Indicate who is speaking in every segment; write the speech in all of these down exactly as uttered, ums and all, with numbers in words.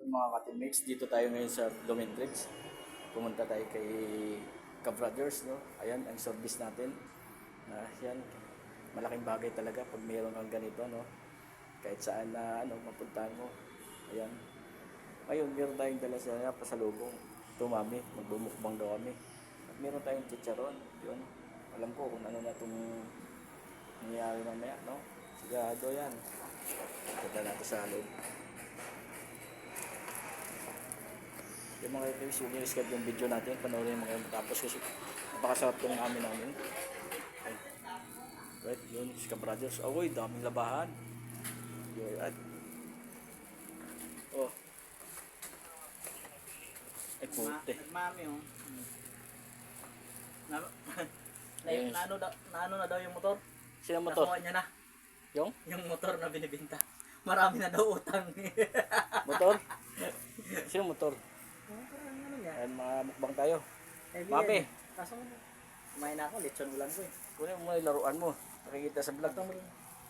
Speaker 1: mga ka-teammates, dito tayo ngayon sa Domentrix. Pumunta tayo kay Ka-Brothers, no? Ayan, ang service natin. Uh, yan, malaking bagay talaga pag mayroon kang ganito, no? Kahit saan na ano, mapuntahan mo. Ayan. Ngayon, meron tayong dala sa pasalubong. Ito, mami, magbumukbang daw kami. At meron tayong chicharon. Yun, alam ko kung ano na itong nangyayari mamaya, no? Sigado yan. Punta natin sa loob. Yung mga guys, huwag nyo yung video natin, panoorin mo kayo matapos kasi napakasarap itong amin namin. Okay. Right, yun, si Ka-Brothers. Oh, uy, daming labahan. Yun, at oh. Ay, puti.
Speaker 2: Nagmami, oh. Na, na,
Speaker 1: Yes.
Speaker 2: na, ano, da, na ano na daw yung motor?
Speaker 1: Sino motor?
Speaker 2: Nakuha niya na.
Speaker 1: Yung?
Speaker 2: Yung motor na binibinta. Marami na daw utang.
Speaker 1: Motor? Sino motor?
Speaker 2: Ano niya?
Speaker 1: Ayan, mga mukbang tayo.
Speaker 2: Eh,
Speaker 1: Mami.
Speaker 2: yan. Kaso, kumain na ako, lechon ulan ko eh.
Speaker 1: Kunin mo yung laruan mo. Nakikita sa vlog.
Speaker 2: Ito mo rin.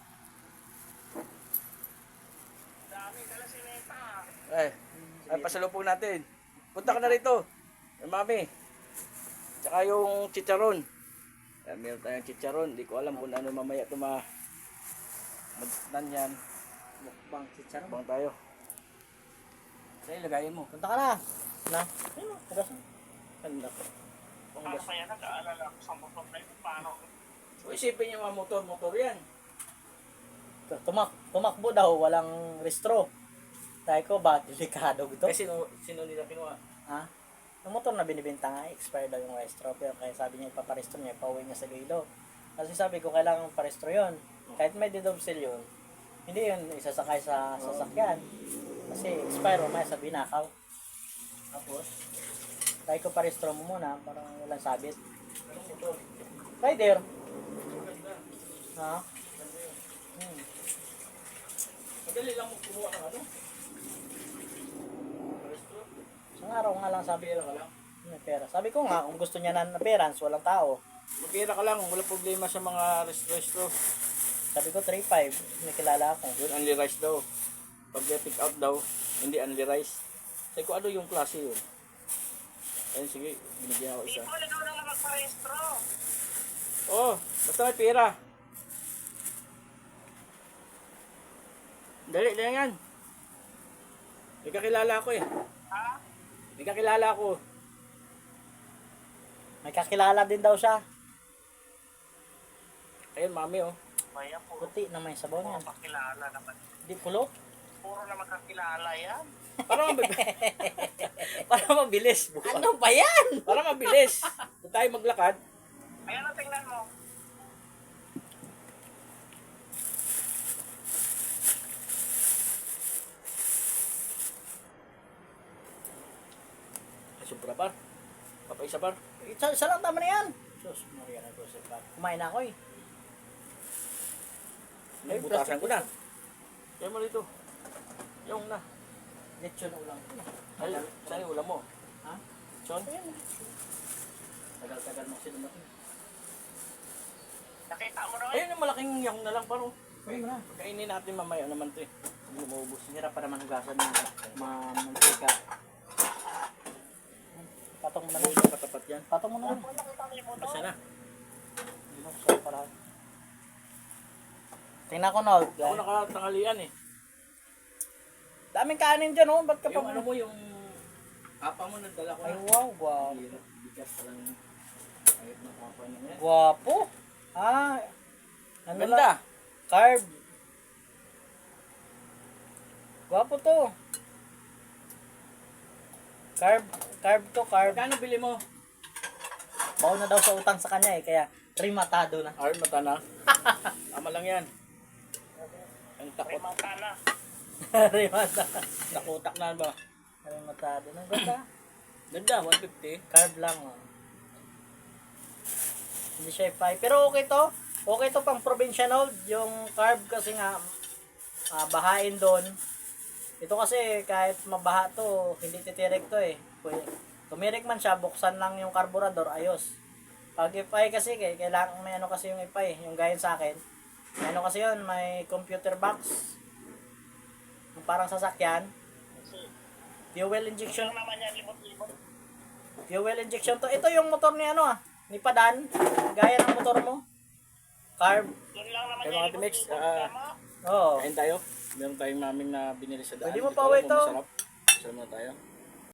Speaker 1: Ay, ay pasalubong natin. Punta ka na rito. Yung mami. Tsaka yung chicharon. Ayan, meron tayong chicharon. Hindi ko alam kung ano mamaya ito ma... Magtan yan.
Speaker 2: Mukbang chicharon.
Speaker 1: Bang tayo. Sa'yo, lagayin mo.
Speaker 2: Punta ka na. Na? Ayun, hugas na. Ganda ko.
Speaker 3: Paano pa yan? Nag-aalala ko sa motor na yun. Paano?
Speaker 1: So, isipin niyo mga motor-motor yan.
Speaker 2: Tumak, tumakbo daw, walang restro. Tayo ko, ba, delikado ito?
Speaker 1: Kasi sino, sino nila kinuha?
Speaker 2: Ha? Yung motor na binibenta nga, expired daw yung restro. Pero kaya sabi niya, ipaparestro niya, pauwi niya sa Iloilo. Kasi sabi ko, kailangan parestro yun. Kahit may didobsel yun, hindi yun isasakay sa sasakyan. Kasi expire, mamaya sa binakaw. Tapos, tayo ko parestro mo muna, parang walang sabit.
Speaker 1: Anong motor?
Speaker 2: Rider.
Speaker 1: Maganda.
Speaker 2: Ha?
Speaker 1: Maganda yun.
Speaker 2: Hmm.
Speaker 1: Madali lang mo kumuha ng ano? Restro?
Speaker 2: Isang araw nga lang sabi
Speaker 1: Pera
Speaker 2: ko,
Speaker 1: ka lang.
Speaker 2: may pera. Sabi ko nga, kung gusto niya na appearance, walang tao.
Speaker 1: Magpira ka lang, wala problema sa mga restro-restro.
Speaker 2: Sabi ko, three five, may kilala ako.
Speaker 1: Yun, only rice daw. Pag pick out daw, hindi only rice. Sabi ko, ano yung klase yun? Ayun, sige, binigyan ako isa.
Speaker 3: Dito, ikaw na lang magparehistro.
Speaker 1: Oh, basta may pera. Dali, dali yan. May kakilala ako eh.
Speaker 3: Ha?
Speaker 1: May kakilala ako.
Speaker 2: May kakilala din daw siya.
Speaker 1: Ayun, mami oh.
Speaker 3: Maya, puro,
Speaker 2: Puti na may sabaw
Speaker 3: puro
Speaker 2: niyan.
Speaker 3: kakilala naman.
Speaker 2: Di pulo.
Speaker 3: Puro na magkakilala yan.
Speaker 1: Para mabilis. Para mabilis. bukas.
Speaker 2: Ano ba yan?
Speaker 1: Para mabilis. Kung tayo maglakad,
Speaker 3: Ayan na, tingnan mo.
Speaker 1: sobra par. Papaisa par.
Speaker 2: Isa, isa lang tama na yan. Sus, Maria na Joseph. Kumain na ako eh.
Speaker 1: Ay, butasan ko na. Kaya mo rito. Yung na.
Speaker 2: Lechon ulang.
Speaker 1: Ay, saan yung ulam mo?
Speaker 2: Ha?
Speaker 1: Chon?
Speaker 2: Ayan. Tagal-tagal mo kasi dumating.
Speaker 3: Nakita mo na eh.
Speaker 1: Ayun yung malaking yang na lang paro.
Speaker 2: Ayun na.
Speaker 1: Kainin natin mamaya naman to eh. Hindi maubos.
Speaker 2: Hirap pa naman hugasan ng mamantika. Patong mo na lang.
Speaker 1: Ayun, katapat yan.
Speaker 2: Patong mo na lang.
Speaker 3: Nakita mo yung motor.
Speaker 1: Basta na.
Speaker 2: Buksan para. Tingnan ko na.
Speaker 1: Ako nakatanghalian eh.
Speaker 2: Daming kanin dyan oh. Ba't ka pa
Speaker 1: Yung ano mo, yung apa mo nagdala ko
Speaker 2: Ay
Speaker 1: na.
Speaker 2: wow, wow.
Speaker 1: Hirap, bigas pa lang. Ayot na papa niya yan.
Speaker 2: Guwapo. Ah. Ano lang?
Speaker 1: Ganda.
Speaker 2: Carb. Guwapo to. Carb. Carb to, carb.
Speaker 1: Kano bili mo?
Speaker 2: Bawa na daw sa utang sa kanya eh. Kaya rimatado na.
Speaker 1: Arn, mata na. Tama lang yan. Ang
Speaker 3: May
Speaker 1: takot.
Speaker 3: mata na.
Speaker 2: rimatado.
Speaker 1: Nakutak na ba?
Speaker 2: Rimatado na. Ganda.
Speaker 1: Ganda, one fifty.
Speaker 2: Carb lang oh. Hindi siya five. Pero okay to. Okay to pang provincial hold. Yung carb kasi nga ah, bahain doon. Ito kasi kahit mabaha to, hindi titirik to eh. Pwede. Tumirik man siya, buksan lang yung karburador, ayos. Pag F I kasi, kailangan may ano kasi yung F I, yung gayon sa akin. May ano kasi yun, may computer box. Yung parang sasakyan. Fuel injection.
Speaker 3: Lang naman yan, limot-limot.
Speaker 2: Fuel injection to. Ito yung motor ni ano ah. Ni Padan. Gaya ng motor mo. Carb.
Speaker 3: Doon lang naman
Speaker 1: Kaya
Speaker 3: yan,
Speaker 1: mga Timex,
Speaker 3: limot-limot.
Speaker 1: ah,
Speaker 3: Tama.
Speaker 2: Oo.
Speaker 1: kain tayo. Meron tayong maming na binili sa daan.
Speaker 2: Pwede mo
Speaker 1: Hindi ko
Speaker 2: pa
Speaker 1: alam
Speaker 2: uwi
Speaker 1: kung
Speaker 2: to.
Speaker 1: Masarap. Sarap na tayo.